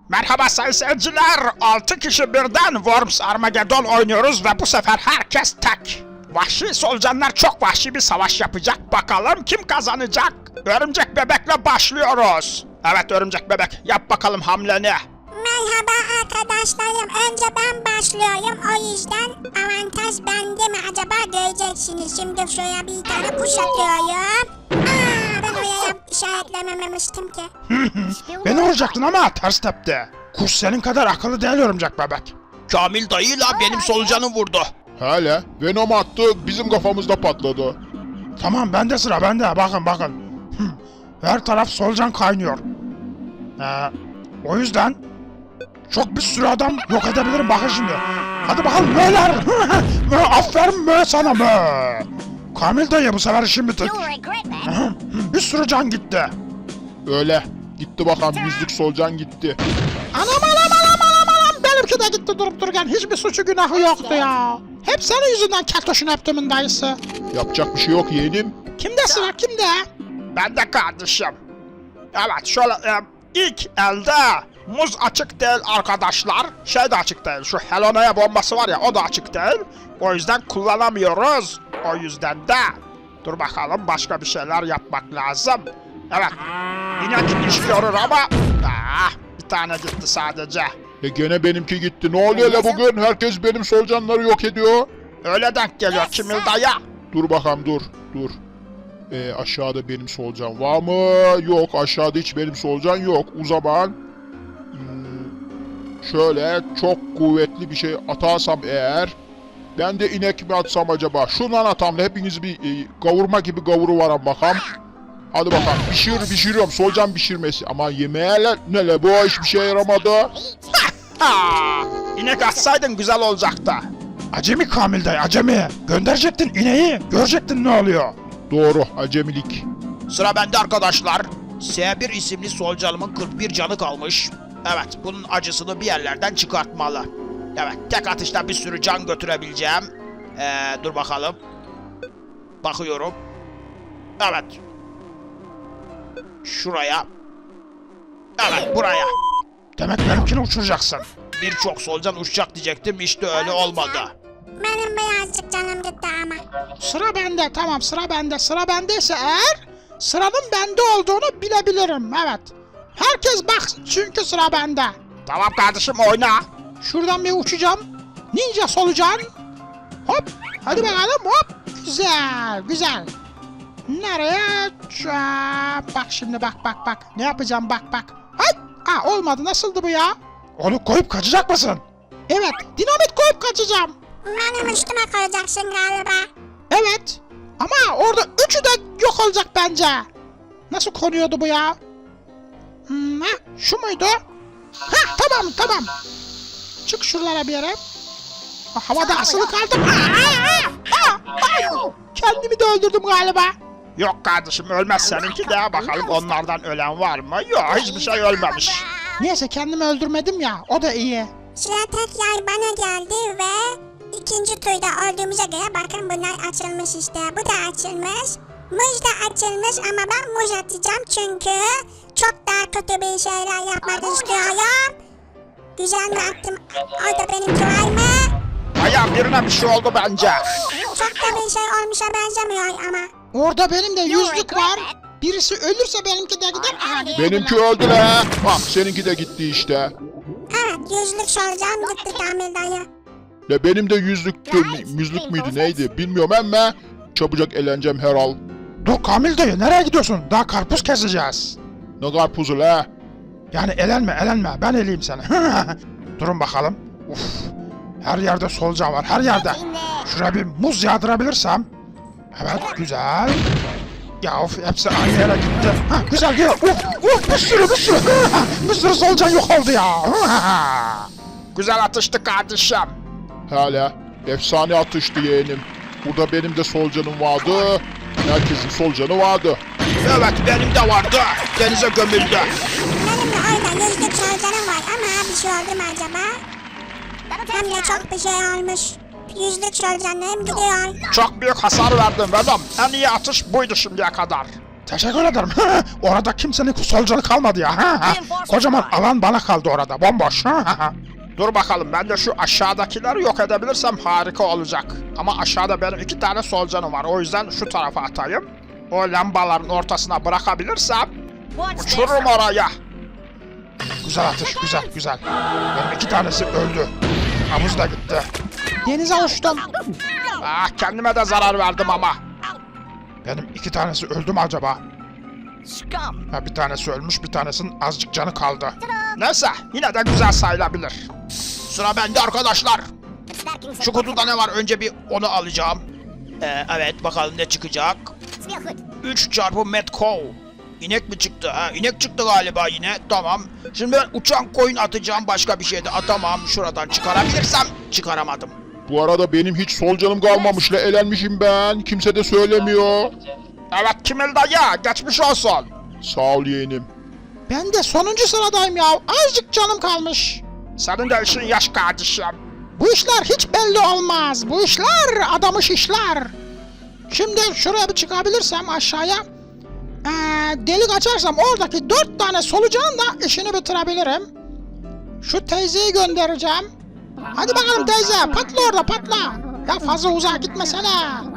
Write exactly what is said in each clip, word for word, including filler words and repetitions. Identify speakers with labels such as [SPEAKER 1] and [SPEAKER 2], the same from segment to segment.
[SPEAKER 1] Merhaba sayın seyirciler. altı kişi birden Worms Armageddon oynuyoruz ve bu sefer herkes tek. Vahşi solucanlar çok vahşi bir savaş yapacak. Bakalım kim kazanacak? Örümcek bebekle başlıyoruz. Evet örümcek bebek, yap bakalım hamleni.
[SPEAKER 2] Merhaba arkadaşlarım. Önce ben başlıyorum. O yüzden avantaj bende mi acaba göreceksiniz. Şimdi şuraya bir tane kuş atıyorum. Aa, ben oraya işaretlememiştim ki.
[SPEAKER 1] Beni vuracaktın ama ters tepti. Kuş senin kadar akıllı değil örümcek bebek.
[SPEAKER 3] Kamil dayıyla benim solucanım vurdu.
[SPEAKER 4] Hele Venom attı, bizim kafamızda patladı.
[SPEAKER 1] Tamam bende sıra bende, bakın bakın. Her taraf solucan kaynıyor. Ee, o yüzden çok bir sürü adam yok edebilirim, bakın şimdi. Hadi bakalım möler. Mö, aferin mö sana mö. Kamil dayı bu sefer işin bitik. Bir sürü can gitti.
[SPEAKER 4] Öyle. Gitti bakalım, yüzlük solucan gitti.
[SPEAKER 1] Anam anam anam anam anam. Benimki de gitti durup dururken, hiçbir suçu günahı yoktu ya. Hep senin yüzünden keltoşun öptümün dayısı.
[SPEAKER 4] Yapacak bir şey yok yeğenim.
[SPEAKER 1] Kimde sıra kimde? Ben de kardeşim. Evet şöyle e, ilk elde muz açık değil arkadaşlar. Şey de açık değil, şu Helona'ya bombası var ya, o da açık değil. O yüzden kullanamıyoruz. O yüzden de dur bakalım, başka bir şeyler yapmak lazım. Evet inek iş görür ama ah, bir tane gitti sadece.
[SPEAKER 4] E gene benimki gitti. Ne oluyor la bugün? Herkes benim solucanları yok ediyor.
[SPEAKER 1] Öyle denk geliyor Kimil dayı.
[SPEAKER 4] Dur bakalım, dur dur. E, aşağıda benim solucan var mı? Yok, aşağıda hiç benim solucan yok. O zaman hmm, şöyle çok kuvvetli bir şey atarsam eğer, ben de inek mi atsam acaba? Şundan atam da hepiniz bir e, kavurma gibi kavuru varan bakalım. Hadi bakalım, pişir pişiriyorum, solucan pişirmesi. Ama yemeğe ne la bu, hiçbir şey yaramadı.
[SPEAKER 1] Ha, inek atsaydın güzel olacaktı. Acemi Kamil dayı, acemi. Gönderecektin ineği, görecektin ne oluyor.
[SPEAKER 4] Doğru, acemilik.
[SPEAKER 3] Sıra bende arkadaşlar. S bir isimli solucanımın kırk bir canı kalmış. Evet, bunun acısını bir yerlerden çıkartmalı. Evet, tek atışta bir sürü can götürebileceğim. Ee, dur bakalım. Bakıyorum. Evet. Şuraya. Evet, buraya.
[SPEAKER 1] Demek benimkini uçuracaksın.
[SPEAKER 3] Birçok solucan uçacak diyecektim, işte öyle olmadı.
[SPEAKER 2] Benim birazcık canım gitti ama.
[SPEAKER 1] Sıra bende, tamam sıra bende. Sıra bendeyse eğer sıranın bende olduğunu bilebilirim, evet. Herkes baksın çünkü sıra bende. Tamam kardeşim, oyna. Şuradan bir uçacağım. Ninja solucan. Hop, hadi bakalım, hop. Güzel, güzel. Nereye? Aa, bak şimdi, bak bak bak. Ne yapacağım, bak bak. Hay! Aa, olmadı, nasıldı bu ya? Onu koyup kaçacak mısın? Evet, dinamit koyup kaçacağım.
[SPEAKER 2] Benim üstüme koyacaksın galiba.
[SPEAKER 1] Evet. Ama orada üçü de yok olacak bence. Nasıl konuyordu bu ya? Hmm, ha, şu muydu? Ha, tamam tamam. Çık şuralara bir yere. Ha, havada asılı kaldım. Aa, aa, aa, aa. Kendimi de öldürdüm galiba. Yok kardeşim, ölmez seninki de. Bakalım onlardan ölen var mı? Yok, hiçbir şey ölmemiş. Neyse, kendimi öldürmedim ya, o da iyi.
[SPEAKER 2] Sıra tekrar bana geldi ve ikinci turda olduğumuza göre bakın bunlar açılmış işte. Bu da açılmış. Muz da açılmış ama ben muz atacağım çünkü çok daha kötü bir şeyler yapmak istiyorum. Güzel mi attım? O da benimki var mı?
[SPEAKER 1] Bayağı birine bir şey oldu bence.
[SPEAKER 2] Çok da bir şey olmuşa benzemiyor ama.
[SPEAKER 1] Orada benim de yüzlük var. Birisi ölürse benimki de gider. Aha,
[SPEAKER 4] Benimki öldü la. Bak seninki de gitti işte.
[SPEAKER 2] Evet, yüzlük soracağım gitti Kamil dayı.
[SPEAKER 4] Ya benim de yüzlüktü, yüzlük müydü neydi bilmiyorum ama çabucak eğleneceğim herhal.
[SPEAKER 1] Dur Kamil dayı, nereye gidiyorsun? Daha karpuz keseceğiz.
[SPEAKER 4] Ne karpuzu la?
[SPEAKER 1] Yani elenme elenme, ben eleyim seni. Durun bakalım. Uf, her yerde solucan var, her yerde. Şuraya bir muz yağdırabilirsem. Evet, güzel. Ya of, hepsi aynı yere gitti. Ha, güzel güzel. Uf, uf, bir sürü bir sürü. Bir sürü solucan yok oldu ya. Güzel atıştı kardeşim.
[SPEAKER 4] Hala efsane atıştı yeğenim. Burada benim de solucanım vardı. Herkesin solucanı vardı.
[SPEAKER 3] Evet, benim de vardı. Denize gömüldü.
[SPEAKER 2] Benim de orada yüzlük soracağım var ama bir şey oldu mu acaba? Hem de çok bir şey olmuş. Yüzlük soracağım gidiyor.
[SPEAKER 1] Çok büyük hasar verdim Venom. En iyi atış buydu şimdiye kadar. Teşekkür ederim. Orada kimsenin solucanı kalmadı ya. Kocaman alan bana kaldı orada. Bomboş.
[SPEAKER 3] Dur bakalım, ben de şu aşağıdakileri yok edebilirsem harika olacak. Ama aşağıda benim iki tane solucanım var. O yüzden şu tarafa atayım. O lambaların ortasına bırakabilirsem uçururum oraya.
[SPEAKER 1] Güzel atış, güzel, güzel. Benim iki tanesi öldü. Havuz da gitti. Denize uçtum.
[SPEAKER 3] Ah, kendime de zarar verdim ama.
[SPEAKER 1] Benim iki tanesi öldü mü acaba?
[SPEAKER 5] Scum.
[SPEAKER 1] Ha, bir tanesi ölmüş, bir tanesinin azıcık canı kaldı.
[SPEAKER 3] Neyse, yine de güzel sayılabilir. Sıra bende arkadaşlar. Şu kutuda ne var? Önce bir onu alacağım. Ee, evet, bakalım ne çıkacak. üç çarpı Metco. İnek mi çıktı? Ha, inek çıktı galiba yine. Tamam. Şimdi ben uçan koyun atacağım. Başka bir şey de atamam. Şuradan çıkarabilirsem çıkaramadım.
[SPEAKER 4] Bu arada benim hiç solucanım kalmamış la, elenmişim ben. Kimse de söylemiyor.
[SPEAKER 3] Evet, Kimil dayı. Geçmiş olsun.
[SPEAKER 4] Sağ ol yeğenim.
[SPEAKER 1] Ben de sonuncu sıradayım ya. Azıcık canım kalmış.
[SPEAKER 3] Senin de işin yaş kardeşim.
[SPEAKER 1] Bu işler hiç belli olmaz. Bu işler adamış işler. Şimdi şuraya bir çıkabilirsem aşağıya. Ee, delik açarsam oradaki dört tane solucanın da işini bitirebilirim. Şu teyzeyi göndereceğim. Hadi bakalım teyze, patla orada, patla. Ya fazla uzağa gitmesene.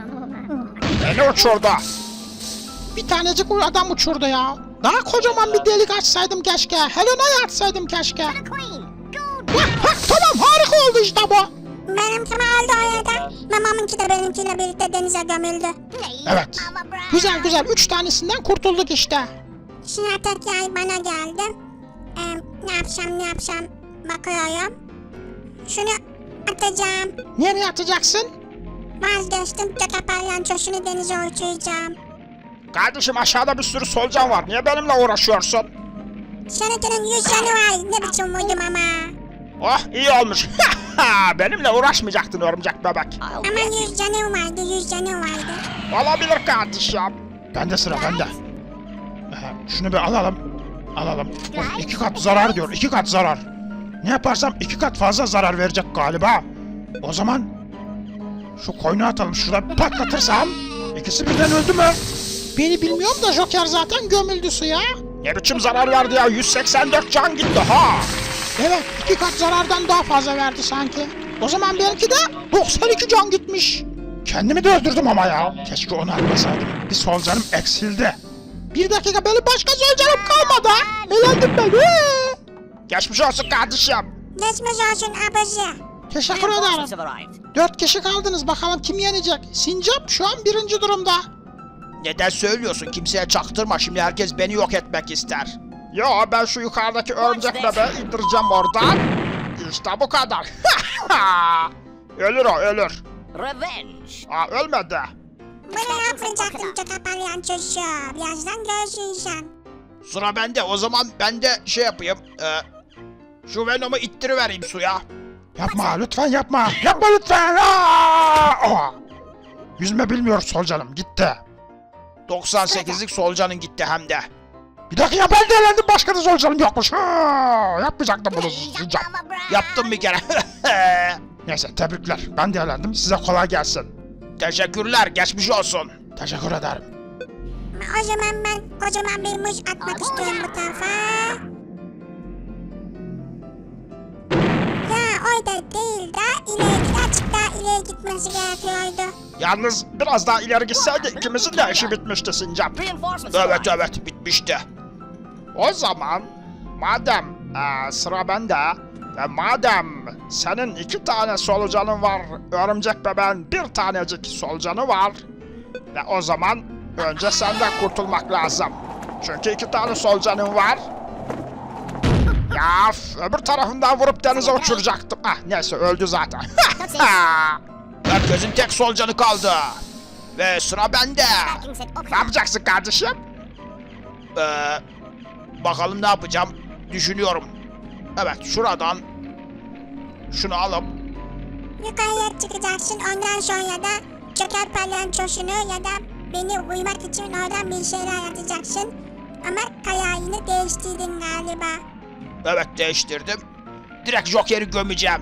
[SPEAKER 3] Beni uçurdu.
[SPEAKER 1] Bir tanecik adam uçurdu ya. Daha kocaman bir delik açsaydım keşke. Helena'yı açsaydım keşke. Hah, hah, tamam, harika oldu işte bu.
[SPEAKER 2] Benimki mi oldu orada? Mamamınki de benimkiyle birlikte denize gömüldü.
[SPEAKER 1] Evet. Güzel güzel, üç tanesinden kurtulduk işte.
[SPEAKER 2] Şimdi atak yay bana geldi. Ee, ne yapacağım ne yapacağım bakıyorum. Şunu atacağım.
[SPEAKER 1] Nereye atacaksın?
[SPEAKER 2] Vazgeçtim. Göte palyançosunu denize uçuracağım.
[SPEAKER 3] Kardeşim, aşağıda bir sürü solucan var. Niye benimle uğraşıyorsun?
[SPEAKER 2] Seninkinin yüz yanı var. Ne biçim vurdum ama.
[SPEAKER 3] Oh, iyi olmuş. Benimle uğraşmayacaktın örümcek bebek.
[SPEAKER 2] Ama yüz canı vardı. Yüz canı vardı.
[SPEAKER 3] Olabilir kardeşim.
[SPEAKER 1] Bende sıra, bende. Ee, şunu bir alalım. Alalım. Of, iki kat zarar diyor, iki kat zarar. Ne yaparsam iki kat fazla zarar verecek galiba. O zaman şu koyunu atalım, şurada bir patlatırsam. İkisi birden öldü mü? Beni bilmiyorum da Joker zaten gömüldü suya.
[SPEAKER 3] Ne biçim zarar verdi ya? yüz seksen dört can gitti ha.
[SPEAKER 1] Evet, iki kat zarardan daha fazla verdi sanki. O zaman belki de doksan iki can gitmiş. Kendimi de öldürdüm ama ya. Keşke onu atmasaydım. Bir solucanım eksildi. Bir dakika, benim başka solucanım kalmadı. Elendim ben. Ee!
[SPEAKER 3] Geçmiş olsun kardeşim.
[SPEAKER 2] Geçmiş olsun abici.
[SPEAKER 1] Teşekkür
[SPEAKER 5] Reinforcements
[SPEAKER 1] ederim.
[SPEAKER 5] have arrived.
[SPEAKER 1] Dört kişi kaldınız, bakalım kim yenecek? Sincap şu an birinci durumda.
[SPEAKER 3] Neden söylüyorsun? Kimseye çaktırma. Şimdi herkes beni yok etmek ister. Yo, ben şu yukarıdaki örümcek bebeği indireceğim oradan. İşte bu kadar. Ölür o, ölür.
[SPEAKER 5] Revenge.
[SPEAKER 3] Aa, ölmedi.
[SPEAKER 2] Bunu yapacaktım göte palyançosu. Birazdan görürsün sen.
[SPEAKER 3] Sıra bende. O zaman ben de şey yapayım. E, şu Venom'u ittirivereyim suya.
[SPEAKER 1] Yapma lütfen, yapma. Yapma lütfen. Aa! Oha! Yüzme bilmiyor solucanım, gitti.
[SPEAKER 3] doksan sekizlik solucanın gitti hem de.
[SPEAKER 1] Bir dakika, ben de elendim, başka da solucanım yokmuş. Ha! Yapmayacaktım bunu sincap.
[SPEAKER 3] Yaptım bir kere.
[SPEAKER 1] Neyse, tebrikler. Ben de elendim, size kolay gelsin.
[SPEAKER 3] Teşekkürler. Geçmiş olsun.
[SPEAKER 1] Teşekkür ederim.
[SPEAKER 2] O zaman ben kocaman bir muz atmak istiyorum bu tarafa. Ya orada değil de ileri birazcık daha ileri gitmesi gerekiyordu.
[SPEAKER 3] Yalnız biraz daha ileri gitseydi ikimizin de işi bitmişti Sincap.
[SPEAKER 5] Reinforcements have
[SPEAKER 3] Evet
[SPEAKER 5] arrived.
[SPEAKER 3] evet, bitmişti. O zaman madem eee, sıra bende ve madem senin iki tane solucanın var, örümcek bebeğin bir tanecik solucanı var, ve o zaman önce senden kurtulmak lazım. Çünkü iki tane solucanın var. Ya f- öbür tarafından vurup denize uçuracaktım. Ah, neyse, öldü zaten. Herkesin tek solucanı kaldı. Ve sıra bende. Ne yapacaksın kardeşim? Ee, bakalım ne yapacağım. Düşünüyorum. Evet, şuradan şunu alıp
[SPEAKER 2] Yukarıya çıkacaksın, ondan sonra da Joker palyançosunu ya da beni uyumak için oradan bir şeyler atacaksın. Ama kararını değiştirdin galiba.
[SPEAKER 3] evet, değiştirdim. Direkt Joker'i gömeceğim.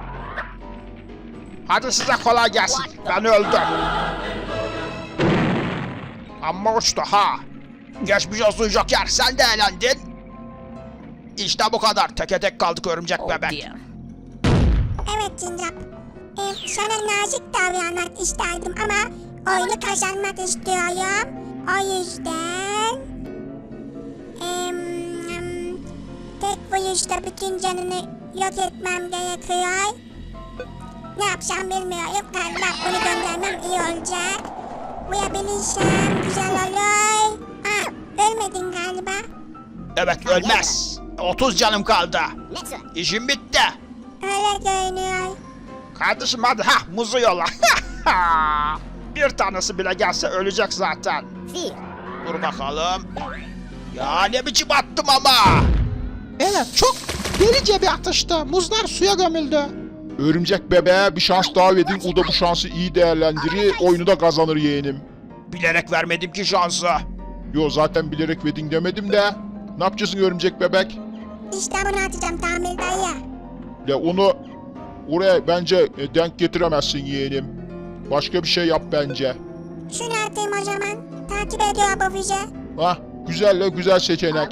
[SPEAKER 3] Hadi size kolay gelsin. Ben öldüm. Amma uçtu ha. Geçmiş olsun Joker, sen de eğlendin. İşte bu kadar. Teke tek kaldık örümcek
[SPEAKER 5] Oh
[SPEAKER 3] bebek.
[SPEAKER 5] dear.
[SPEAKER 2] Evet Cincap. Ee, sana nazik davranmak isterdim ama oyunu kazanmak istiyorum. O yüzden... Em, em, tek vuruşta bütün canını yok etmem gerekiyor. Ne yapsam bilmiyorum. Galiba bunu göndermem iyi olacak. Vurabilirsem güzel olur. Aa, ölmedin galiba.
[SPEAKER 3] Evet, ölmez. otuz canım kaldı. İşim bitti.
[SPEAKER 2] Öyle görünüyor.
[SPEAKER 3] Kardeşim hadi ha muzu yola. Bir tanesi bile gelse ölecek zaten. Dur bakalım. Ya ne biçim attım ama.
[SPEAKER 1] Evet çok delice bir atıştı. Muzlar suya gömüldü.
[SPEAKER 4] Örümcek bebeğe bir şans daha verin. O da bu şansı iyi değerlendirir. Oyunu da kazanır yeğenim.
[SPEAKER 3] Bilerek vermedim ki şansı.
[SPEAKER 4] Yo zaten bilerek vedin demedim de. Ne yapacaksın örümcek bebek?
[SPEAKER 2] İşte bunu atacağım tamir dayı.
[SPEAKER 4] Ya onu oraya bence e, denk getiremezsin yeğenim. Başka bir şey yap bence.
[SPEAKER 2] Şunu atayım o zaman. Takip ediyor bu bizi.
[SPEAKER 4] Hah güzelle güzel seçenek.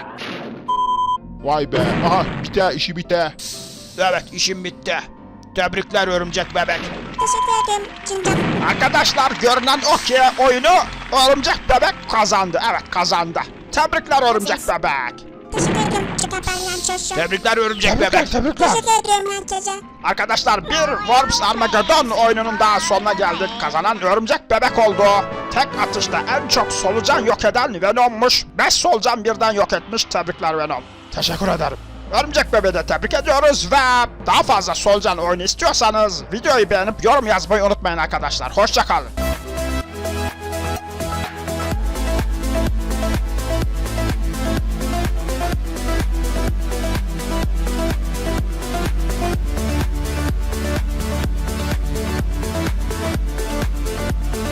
[SPEAKER 4] Vay be. Aha biter işi biter.
[SPEAKER 3] Evet, işim bitti. Tebrikler örümcek bebek.
[SPEAKER 2] Teşekkür ederim Cincap.
[SPEAKER 3] Arkadaşlar görünen o ki oyunu örümcek bebek kazandı. Evet, kazandı. Tebrikler örümcek bebek.
[SPEAKER 2] Teşekkür ederim çıkartanyan çocuğum.
[SPEAKER 3] Tebrikler örümcek
[SPEAKER 1] Tebrikler
[SPEAKER 3] bebek.
[SPEAKER 1] tebrikler.
[SPEAKER 2] Teşekkür ediyorum herkese.
[SPEAKER 3] Arkadaşlar bir Worms Armageddon oyununun daha sonuna geldik. Kazanan örümcek bebek oldu. Tek atışta en çok solucan yok eden Venom'muş. beş solucan birden yok etmiş. Tebrikler Venom. Teşekkür ederim. Örümcek bebeği de tebrik ediyoruz ve daha fazla solucan oyunu istiyorsanız videoyu beğenip yorum yazmayı unutmayın arkadaşlar. Hoşça kalın.